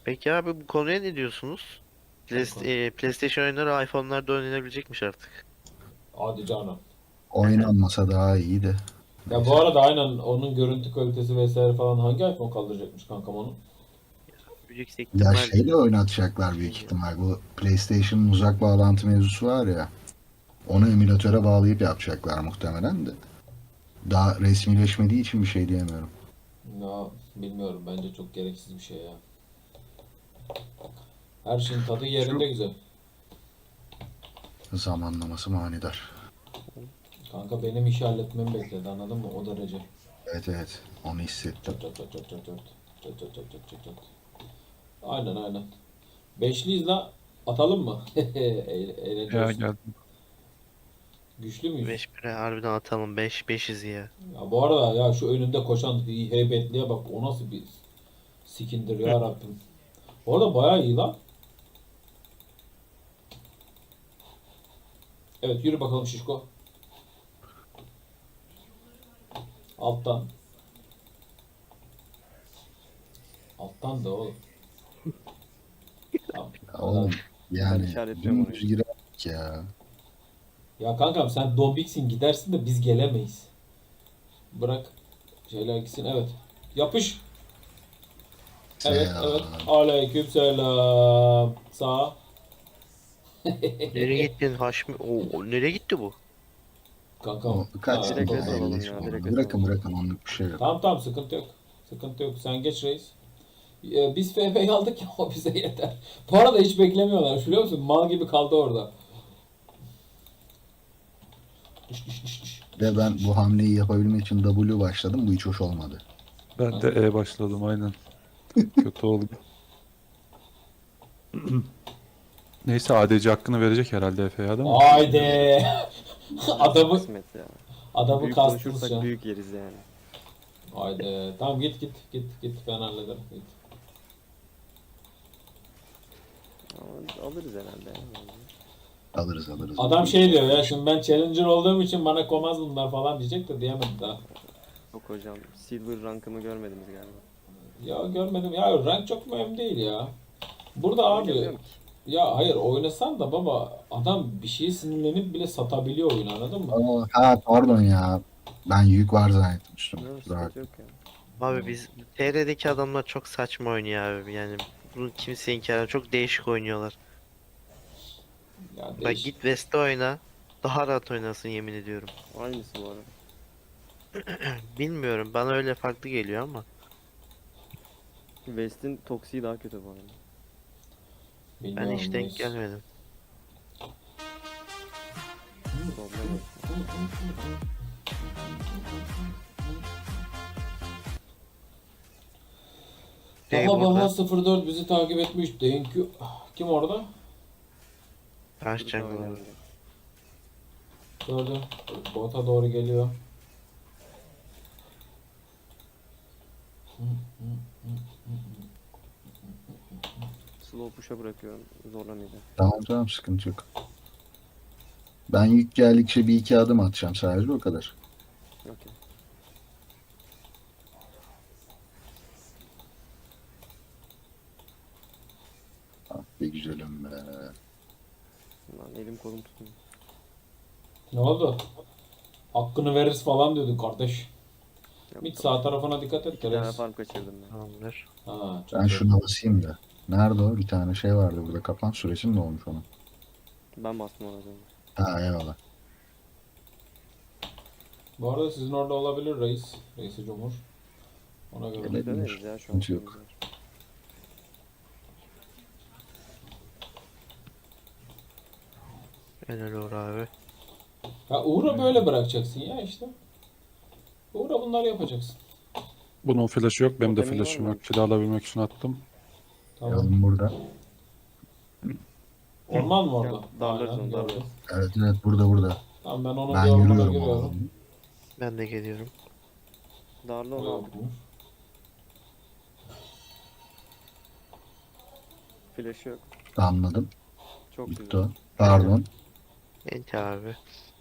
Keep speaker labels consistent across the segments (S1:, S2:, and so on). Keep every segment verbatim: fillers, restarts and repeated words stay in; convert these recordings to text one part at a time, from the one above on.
S1: Peki abi bu konuya ne diyorsunuz?
S2: Kanka.
S1: Playst- e, PlayStation oyunları iPhone'larda oynanabilecekmiş artık.
S2: Hadi canım.
S1: Hı
S3: Oynanmasa daha iyi de.
S2: Ya bu
S3: Neyse.
S2: arada aynen onun görüntü kalitesi vesaire falan hangi iPhone kaldıracakmış kankam onu?
S1: Yüksek
S3: Ya
S1: ihtimal
S3: şeyle oynatacaklar büyük
S1: bilmiyorum.
S3: ihtimal. Bu PlayStation'ın uzak bağlantı mevzusu var ya. Onu emülatöre bağlayıp yapacaklar muhtemelen de. Daha resmileşmediği için bir şey diyemiyorum.
S2: Ya bilmiyorum, bence çok gereksiz bir şey ya. Her şeyin tadı yerinde
S3: Şu
S2: güzel.
S3: zamanlaması manidar.
S2: Kanka benim işi halletmemi bekledi, anladın mı? O derece.
S3: Evet evet. Onu hissettim.
S2: Çat çat çat çat çat çat. Çat çat çat çat çat çat. Aynen aynen. Beşliyiz la. Atalım mı? Eğ-
S4: Ya
S2: Eğleniyoruz.
S4: geldim.
S2: Güçlü müyüz?
S1: beş bire harbiden atalım. beş beşiz ya.
S2: Ya bu arada ya şu önünde koşan heybetliye bak, o nasıl bir skindir ya Rabbim. Bu arada bayağı iyi lan. Evet, yürü bakalım şişko. Alttan. Alttan da oğlum. Tamam.
S3: Ya
S2: Helal.
S3: oğlum
S5: Ben
S3: yani
S5: işaretliyorum
S3: dümdüz
S5: orayı.
S3: girerdik ya.
S2: Ya kankam sen dombiksin, gidersin de biz gelemeyiz. Bırak şeyler gitsin, evet. Yapış. Evet evet.
S3: Selam.
S2: Aleyküm selam. Sağ.
S1: Nereye gittin Haşmi? Oo, o- nereye gitti bu?
S2: Kankam.
S3: O kaç
S2: Ha,
S5: Direkt
S3: yılda
S5: res
S2: doğru.
S5: alalım ya.
S3: elleşme
S5: Direkt
S3: oldu.
S5: res
S3: Bırakın
S5: alalım.
S3: bırakın onluk bir şey yok.
S2: Tamam tamam, sıkıntı yok. Sıkıntı yok. Sen geç reis. Ee, Biz F F'yi aldık ya, o bize yeter. Bu arada hiç beklemiyorlar biliyor musun? Mal gibi kaldı orada. Düş düş düş düş.
S3: Ve ben bu hamleyi yapabilmek için W başladım. Bu hiç hoş olmadı.
S4: Ben de E başladım aynen. Kötü oldu. Neyse A D C hakkını verecek herhalde Efe'ye değil mi?
S2: Haydi. Adamı
S5: Kısmet ya.
S2: adamı
S5: Büyük
S2: kastınız
S5: konuşursak
S2: şu an.
S5: büyük yeriz yani.
S2: Haydi. Tamam, git git git git, ben hallederim. Git.
S5: Ama alırız herhalde ya.
S3: Alırız alırız.
S2: Adam şey diyor ya, şimdi ben challenger olduğum için bana komaz bunlar falan diyecek de diyemedi daha.
S5: Yok hocam. Silver rankımı görmediniz galiba.
S2: Ya görmedim ya, rank çok mühim değil ya. Burada abi
S5: Oynamıyorum ki.
S2: ya hayır, oynasan da baba, adam bir şeye sinirlenip bile satabiliyor oyunu, anladın mı?
S3: Aa, ha pardon ya. Ben yük var zannettim üstüme.
S5: Yok
S3: Kusura
S5: sıkıntı
S3: bakma.
S5: yok ya.
S1: Abi biz T R'deki adamlar çok saçma oynuyor abi. Yani bunu kimse inkar edemez. Çok değişik oynuyorlar.
S2: Ya
S1: Bak
S2: değiş.
S1: git West'te oyna. Daha rahat oynasın yemin ediyorum.
S5: Aynısı bu arada.
S1: Bilmiyorum bana öyle farklı geliyor ama.
S5: West'in toksiği daha kötü bu arada.
S1: Ben
S2: Bilmiyorum
S1: hiç denk
S2: reis.
S1: gelmedim.
S5: Problem yok.
S1: Şey
S2: Baba
S1: burada.
S2: baba sıfır dört bizi takip etmiş. Thank you. Kim orada?
S1: Karşı
S5: Burada
S1: jungle abi.
S5: oynayalım.
S2: Gördüm. Bota doğru geliyor.
S5: Slow push'a bırakıyorum. Zorlamayacağım.
S3: Tamam tamam sıkıntı yok. Ben yük geldikçe bir iki adım atacağım sadece o kadar.
S5: Okey.
S3: Ah be güzelim be.
S5: Lan elim kolum tutmuyor.
S2: Ne oldu? Hakkını veririz falan diyordun kardeş.
S5: Yok,
S2: Mid
S5: tamam.
S2: sağ tarafına dikkat et
S5: Bir tane
S2: Teres.
S5: farm kaçırdım ben.
S1: Tamamdır.
S2: Ha, çok
S3: Ben
S2: iyi.
S3: şuna basayım da. Nerede o? Bir tane şey vardı burada. Kapan süresi mi olmuş onun?
S5: Ben bastım ona az önce.
S3: Ha eyvallah.
S2: Bu arada sizin orada olabilir reis. Reisi Cumhur. Ona göre.
S3: Öyle.
S5: Döneriz ya şu an.
S3: Sıkıntı yok.
S5: şeyimiz var.
S1: Helal Uğur abi.
S2: Ya Uğur'a böyle bırakacaksın ya işte. Uğur'a bunları yapacaksın.
S4: Bunun flash'ı yok. Benim de
S5: Totemin var
S4: flash'ım
S5: mı?
S4: yok. Kill alabilmek için attım.
S2: Tamam.
S3: Yalım burada.
S2: Orman mı orada?
S5: Ya, darlarız
S2: Aynen,
S5: onu,
S2: gördüm.
S5: darlarız.
S3: Evet evet burada burada.
S2: Tamam, ben onun
S3: Ben
S2: bir ormana
S3: yürüyorum
S2: giriyorum.
S3: oğlum.
S1: Ben de geliyorum.
S5: Darla
S2: O
S5: onu aldık.
S2: yokmuş.
S5: Flash'ı yok.
S3: Anladım.
S5: Çok
S3: Bitti
S5: güzel.
S3: o. Pardon.
S1: Enti abi.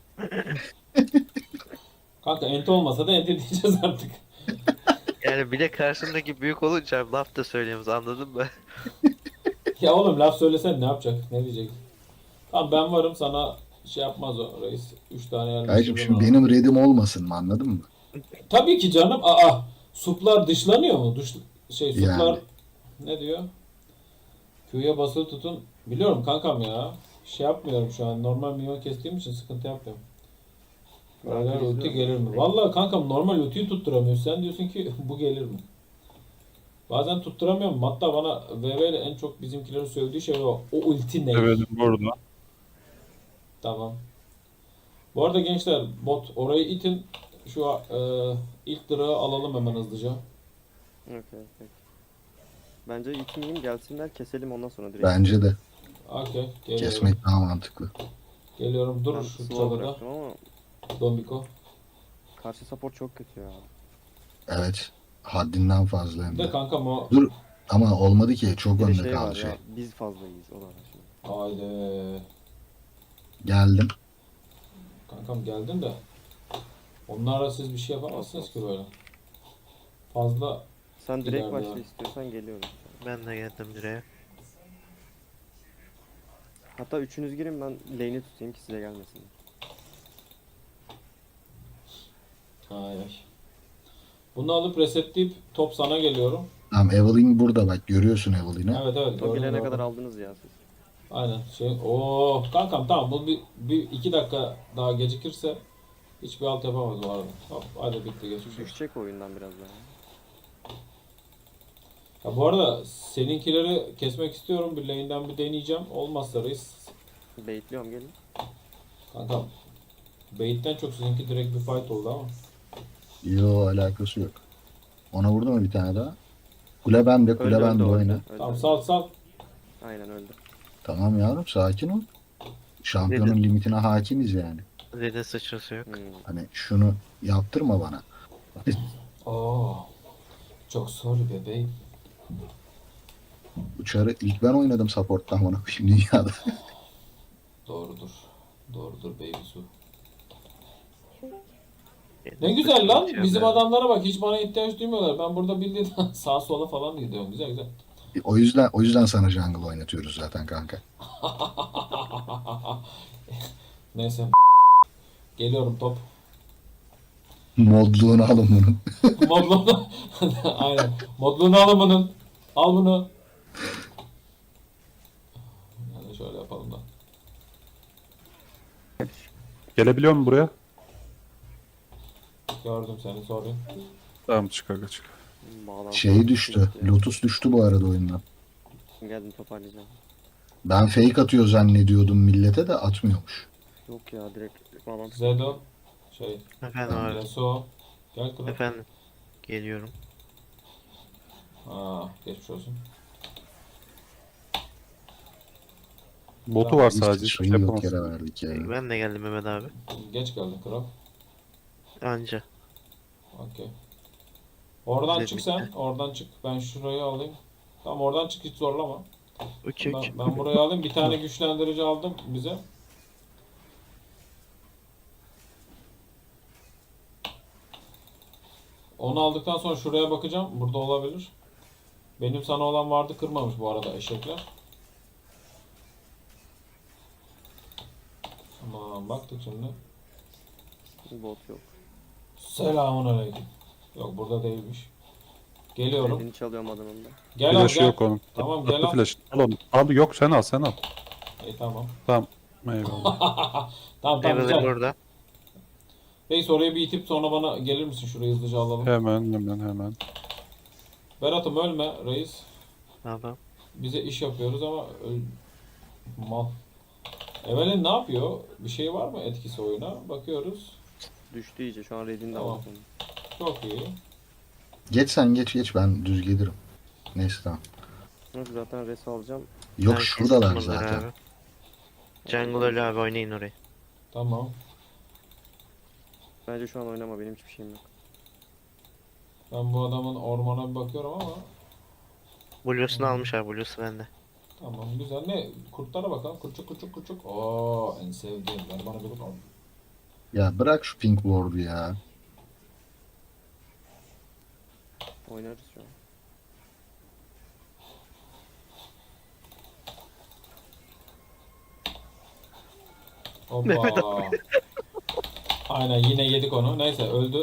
S2: Kanka enti olmasa da enti diyeceğiz artık.
S1: Yani bir de karşımdaki büyük olunca laf da söyleyemiyoruz anladın mı?
S2: Ya oğlum laf söylesen ne yapacak? Ne diyecek? Tamam ben varım, sana şey yapmaz o reis. Üç tane
S3: Kardeşim
S2: yerleştirdim
S3: şimdi
S2: ona.
S3: benim redim olmasın mı, anladın mı?
S2: Tabii ki canım. Aa, suplar dışlanıyor mu? Dış, şey suplar
S3: Yani.
S2: ne diyor? Q'ya basılı tutun. Biliyorum kankam ya. Şey yapmıyorum şu an. Normal minyon kestiğim için sıkıntı yapmıyorum. Paralel
S5: Rankı
S2: ulti
S5: izliyorum.
S2: gelir mi? Vallahi kankam normal ultiyi tutturamıyorsun. Sen diyorsun ki bu gelir mi? Bazen tutturamıyorum. Hatta bana V V ile en çok bizimkilerin söylediği şey o. O ulti ne?
S4: Evet burada.
S2: Tamam. Bu arada gençler bot orayı itin. Şu e, ilk durağı alalım hemen hızlıca.
S5: Okey, okey. Bence itmeyeyim, gelsinler keselim ondan sonra direkt.
S3: Bence de
S2: Okey. Geliyorum.
S3: kesmek daha mantıklı.
S2: Geliyorum. Dur
S5: Ben
S2: şu
S5: slow
S2: çalıda.
S5: bıraktım ama
S2: Dombiko.
S5: karşı support çok kötü ya.
S3: Evet. Haddinden fazla hem
S2: Bir de
S3: de.
S2: kankam o.
S3: Dur ama olmadı ki, çok
S5: Bir de
S3: önde
S5: şey var
S3: kaldı şey.
S5: ya, biz fazlayız o da var şimdi.
S2: Haydi.
S3: Geldim.
S2: Kankam geldin de. Onlarla siz bir şey yapamazsınız ki böyle. Fazla
S5: Sen direkt
S2: İleride
S5: başla
S2: ya.
S5: istiyorsan geliyorum.
S1: Ben de geldim direğe.
S5: Hatta üçünüz girin, ben lane'i tutayım ki size gelmesin.
S2: ay ay. Bunu alıp resetleyip top sana geliyorum.
S3: Tamam, Evelyn burada, bak görüyorsun Evelyn'i.
S2: Evet evet.
S5: O
S2: gördüm,
S5: gelene
S2: gördüm.
S5: kadar aldınız ya siz.
S2: Aynen. Şey, oo kankam tamam, bu bir, bir iki dakika daha gecikirse hiçbir alt yapamaz bu arada. Hop hadi bitti, geçmiş olsun.
S5: Düşecek oyundan biraz daha.
S2: Ya bu arada seninkileri kesmek istiyorum. Bir lane'den bir deneyeceğim. Olmazsa reis.
S5: Baitliyorum, gelin.
S2: Kankam. Bait'ten çok sizinki direkt bir fight oldu ama.
S3: Yo, alakası yok. Ona vurdu mu bir tane daha? Kule bende, kule
S5: Öldü,
S3: bende
S5: öldü,
S3: oyna.
S5: öldü,
S2: Tamam
S5: öldü.
S2: sal sal.
S5: Aynen öldü.
S3: Tamam yavrum, sakin ol. Şampiyonun
S1: Dedim.
S3: limitine hakimiz yani.
S1: Red'in sıçrası yok.
S5: Hmm.
S3: Hani şunu yaptırma bana.
S2: Oo. Çok sorry bebeğim.
S3: Uçarı ilk ben oynadım support'tan bana şimdi dünyada.
S2: Doğrudur. Doğrudur baby su.
S1: Red'in
S2: Ne güzel lan.
S1: sıçrası yok
S2: Bizim
S1: yani.
S2: adamlara bak, hiç bana ihtiyaç duymuyorlar. Ben burada bildiğin sağa sola falan gidiyorum. Güzel güzel.
S3: O yüzden o yüzden sana jungle oynatıyoruz zaten kanka.
S2: Neyse. Geliyorum top.
S3: Modluğunu alın bunun.
S2: Modluğunu. Aynen. Modluğunu alın bunun. Al bunu. Yani şöyle yapalım da.
S4: Gelebiliyor mu buraya?
S2: Gördüm seni, sorry.
S4: Tamam, çık aga çık.
S5: Bağlantı
S3: Şey düştü.
S5: gitti.
S3: Lotus düştü bu arada oyundan.
S5: Geldim, toparlayacağım.
S3: Ben fake atıyor zannediyordum millete de atmıyormuş.
S5: Yok ya, direkt bağlantı.
S2: Zedo. Şey.
S1: Efendim abi.
S2: Yasuo. Gel kral.
S1: Efendim. Geliyorum.
S2: Aa, geçmiş olsun.
S4: Botu var
S3: Biz
S4: sadece. Hiçbir şey
S3: sıçrayı yok
S4: yapamaz.
S3: yere verdik ya.
S1: Ben de geldim Mehmet abi.
S2: Geç geldin kral.
S1: Anca.
S2: Okey. Oradan
S1: Güzel
S2: çık
S1: bitti.
S2: sen. Oradan çık. Ben şurayı alayım. Tamam oradan çık, hiç zorlama.
S1: Uçuk.
S2: Ben, ben burayı alayım. Bir tane güçlendirici aldım bize. Onu aldıktan sonra şuraya bakacağım. Burada olabilir. Benim sana olan vardı, kırmamış bu arada eşekler. Tamam, baktık şimdi.
S5: Bot yok.
S2: Selamun aleyküm. Yok burada değilmiş. Geliyorum.
S5: Redini çalıyorum adamın da.
S2: Gel al
S4: Flash'ı
S2: gel.
S4: yok onun.
S2: Tamam gel
S4: Attı
S2: al.
S4: flash. Al onu. Al, yok sen al sen al.
S2: İyi tamam.
S4: Tamam. Eyvallah.
S2: Tamam tamam
S1: Evelyn
S2: güzel.
S1: burada.
S2: Reis oraya bir itip sonra bana gelir misin? Şurayı hızlıca alalım.
S4: Hemen hemen hemen.
S2: Berat'ım ölme reis.
S1: Tamam.
S2: Bize iş yapıyoruz ama öl... Mal. Evelyn ne yapıyor? Bir şey var mı etkisi oyuna? Bakıyoruz.
S5: Düştü iyice, şu an redini de
S2: Tamam.
S5: aldım.
S2: Çok iyi.
S3: Geç sen, geç geç, ben düz gelirim. Neyse tamam.
S5: Yok, zaten res alacağım.
S3: Yok
S1: Ben
S3: şuradalar
S1: kestim bunları
S3: zaten.
S1: abi. Jungle ölü abi, oynayın orayı.
S2: Tamam.
S5: Bence şu an oynama, benim hiçbir şeyim yok.
S2: Ben bu adamın ormana bir bakıyorum ama
S1: Blue'sunu
S2: Hmm.
S1: almış abi, Blue'su bende.
S2: tamam güzel. Ne? Kurtlara bakalım. Kurçuk kurçuk kurçuk. Oo en sevdiğim. Ver bana bir bakalım.
S3: Ya bırak şu pink ward'u ya.
S5: Oynarız şu an.
S2: Hoppa. Aynen yine yedik onu. Neyse öldü.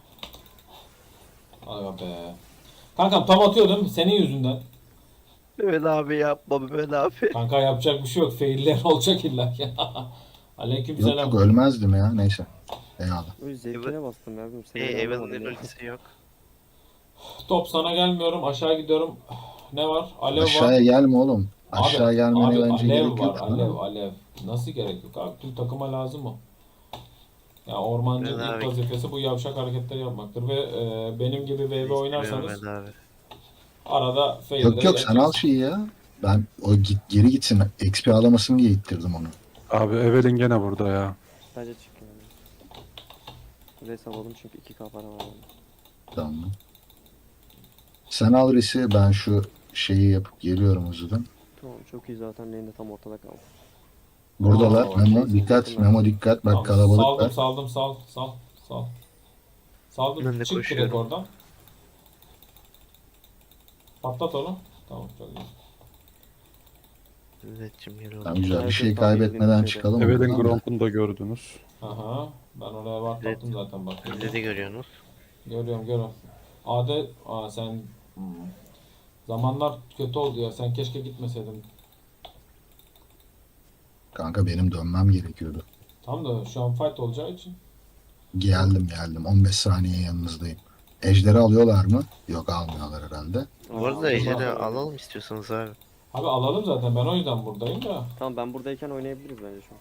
S2: Aga be. Kankam tam atıyordum senin yüzünden.
S1: Mehmet abi yapma Mehmet abi.
S2: Kanka yapacak bir şey yok. Failler olacak illa ki. Aleyküm
S3: Yok
S2: selam.
S3: yok ölmezdim ya. Neyse. Eyvallah.
S5: Öyle zevkine bastım ya. Bilmiyorum, seni
S1: E,
S5: öyle
S1: Evan'ın
S5: anlamadım ya.
S1: ultisi yok.
S2: Top sana gelmiyorum. Aşağı gidiyorum. Ne var? Alev
S3: Aşağıya
S2: var.
S3: gelme oğlum. Aşağı
S2: Abi,
S3: gelmene
S2: abi
S3: bence
S2: alev
S3: gerek
S2: var.
S3: yok.
S2: Alev,
S3: Ha?
S2: alev. Nasıl gerek yok abi? Tüm takıma lazım o. Ya ormancının
S1: Ben
S2: ilk
S1: abi-
S2: vazifesi bu yavşak hareketleri yapmaktır ve e, benim gibi V V oynarsanız
S1: Mehmet abi.
S2: arada fail'de
S3: Yok yok sen al
S2: yapacaksın.
S3: şeyi ya. Ben o git, geri gitsin. X P alamasın diye ittirdim onu.
S4: Abi Evelyn gene burada ya.
S5: Bence çık yani. Res alalım çünkü iki k para var. Yani.
S3: Tamam. Sen al resi, ben şu şeyi yapıp geliyorum hızlıdan.
S5: Tamam çok iyi zaten lane'de tam ortada kaldı.
S3: Buradalar.
S2: Oo,
S3: Memo
S5: neyse,
S3: dikkat.
S5: yakın
S3: Memo dikkat. Bak
S2: Tamam,
S3: kalabalık
S2: saldım
S3: var.
S2: saldım sal sal sal. Saldım
S1: Ben de
S2: çık direkt
S1: koşuyorum.
S2: oradan. Patlat onu. Tamam çok iyi.
S1: Mehmetciğim geri
S3: Tamam
S1: oldu.
S3: güzel. Bir
S5: Herkes
S3: şey
S5: tahmin
S3: kaybetmeden
S5: edildiği
S3: çıkalım.
S4: Evelyn
S3: buradan da.
S4: Gromp'unu da gördünüz.
S2: Aha ben oraya var
S1: Evet.
S2: taktım zaten bak.
S1: Dedi görüyorsunuz.
S2: Görüyorum görüyorum. Adet aa sen hmm. Zamanlar kötü oldu ya. Sen keşke gitmeseydin.
S3: Kanka benim dönmem gerekiyordu.
S2: Tam da şu an fight olacağı için.
S3: Geldim geldim. on beş saniye yanınızdayım. Ejderi alıyorlar mı? Yok almıyorlar herhalde.
S1: Bu arada
S5: Aa,
S1: ejderi
S5: Allah.
S1: alalım istiyorsanız abi.
S2: Abi alalım zaten ben o yüzden buradayım da.
S5: Tamam ben buradayken oynayabiliriz bence şu an.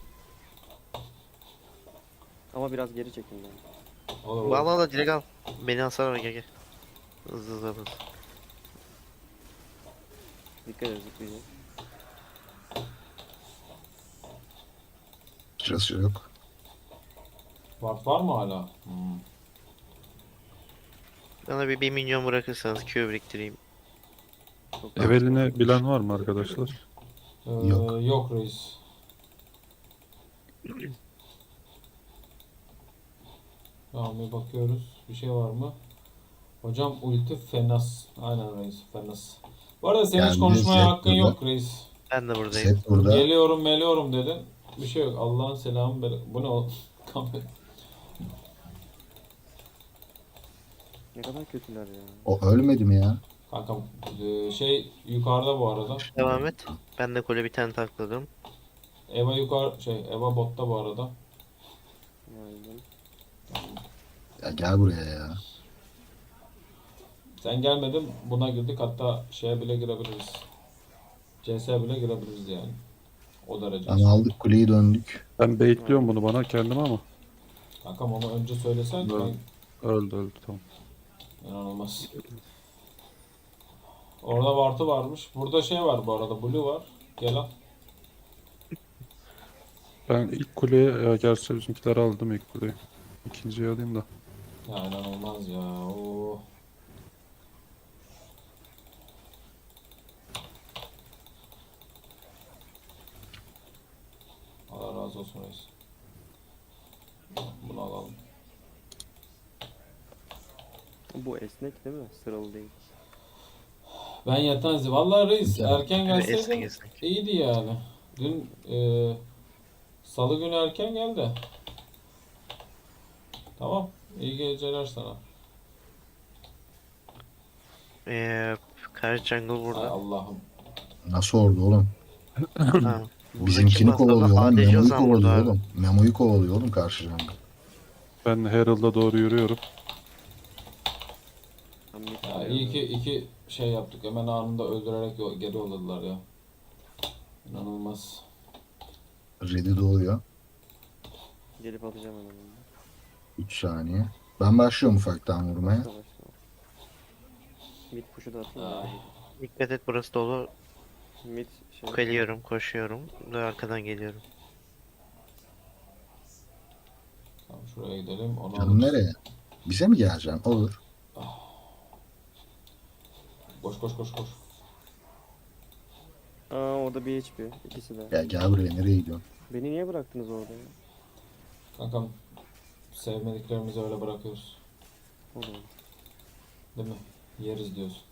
S5: Ama biraz geri çekin ben.
S2: Olur olur.
S1: Al al al direkt al. Beni alsana gel gel. Hızlı hızlı hızlı.
S5: Dikkat edin zıplayacak.
S3: Sırası yok.
S2: Ward var mı hala? Hmm.
S1: Bana bir 1 milyon bırakırsanız Q biriktireyim.
S5: Çok
S4: Evelyn'i bilen var mı arkadaşlar?
S2: Ee,
S3: Yok.
S2: yok reis. Tamam bir bakıyoruz. Bir şey var mı? Hocam ulti fenas. Aynen reis fenas. Bu arada senin hiç
S3: Yani
S2: konuşmaya
S3: Zed
S2: hakkın
S3: burada.
S2: yok reis.
S1: Ben de buradayım.
S3: Set burada.
S2: Geliyorum meliyorum dedin. Bir şey yok. Allah'ın selamı. bere- Bu ne oğlum?
S5: Ne kadar kötüler ya.
S3: O ölmedi mi ya?
S2: Kankam e, şey yukarıda bu arada.
S1: Devam et. Ben de kule bir tane takladım.
S2: Eva yukarı şey Eva botta bu arada.
S5: Aynen.
S3: Ya gel buraya ya.
S2: Sen gelmedin buna girdik hatta şeye bile girebiliriz. C S bile girebiliriz yani. O derece.
S3: Ama aldık kuleyi döndük.
S4: Ben baitliyorum bunu bana kendime ama.
S2: Kankam onu önce söylesen
S4: Evet.
S2: ben
S4: Öldü öldü tamam.
S2: inanılmaz. Orada Vartı varmış. Burada şey var bu arada Blue var. Gel al.
S4: Ben ilk kuleye, ya gerçi bizimkileri aldım ilk kuleyi. İkinciyi alayım da.
S2: Ya inanılmaz ya. Oo. Allah razı olsun reis. Bunu alalım.
S5: Bu esnek değil mi? Sıralı değil.
S2: Ben Yatanzi. Vallahi reis
S3: Güzel.
S2: erken
S1: Esnek
S2: gelseydin
S1: esnek.
S2: iyiydi yani. Dün e, salı günü erken geldi. Tamam. İyi geceler sana.
S1: Ee, Kara Jungle
S2: Ay
S1: burada.
S2: Allah'ım.
S3: Nasıl oldu oğlum?
S1: Ha, burada kim
S3: Bizimkini
S1: aslında?
S3: kovalıyor oğlum.
S1: A D C
S3: Memo'yu
S1: Ozan burada
S3: kovalıyor
S1: abi.
S3: oğlum. Memo'yu kovalıyor oğlum karşı jungle.
S4: Ben Herald'a doğru yürüyorum.
S5: Ben mid
S2: Ya
S5: tutuyorum.
S2: iyi ki iki şey yaptık. Hemen anında öldürerek yo- geri yolladılar ya. İnanılmaz.
S3: Red'i doğuyor.
S5: Gelip alacağım hemen onu.
S3: üç saniye. Ben başlıyorum ufaktan vurmaya.
S5: Başla başla. Mid push'u da atayım
S2: Ay.
S5: ya.
S1: Dikkat et burası dolu.
S5: Mid şey.
S1: Geliyorum, koşuyorum. Ve arkadan geliyorum.
S2: Tamam şuraya gidelim. Onu
S3: Canım
S2: alırız.
S3: nereye? Bize mi geleceksin? Olur.
S2: Koş koş koş koş.
S5: Aa orada bir H P. İkisi de.
S3: Ya gel buraya, nereye gidiyorsun?
S5: Beni niye bıraktınız orada ya?
S2: Kankam sevmediklerimizi öyle bırakıyoruz.
S5: O da olur.
S2: Değil mi? Yeriz diyorsun.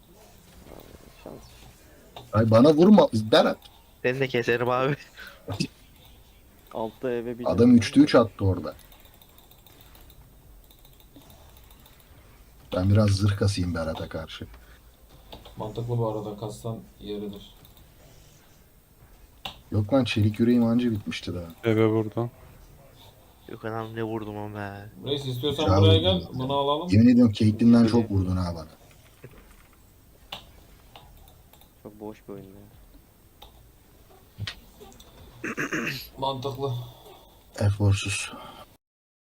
S5: Şans.
S3: Ay bana vurma. Berat.
S1: Seni de keserim abi.
S5: Altta eve bir
S3: Adam üçte üç attı orada. Ben biraz zırh kasayım Berat'a karşı.
S2: Mantıklı bu arada, kastan yeridir.
S3: Yok lan, çelik yüreğim anca bitmişti daha.
S4: Eve buradan.
S1: Yok anam ne vurdum ama be.
S2: Reis istiyorsan
S3: Güzel
S2: buraya
S3: vurdun
S2: gel,
S3: zaten.
S2: bunu alalım.
S3: Yemin ediyorum Caitlyn'den çok vurdun ha bana.
S5: Çok boş bir oyun ya.
S2: Mantıklı.
S3: Eforsuz.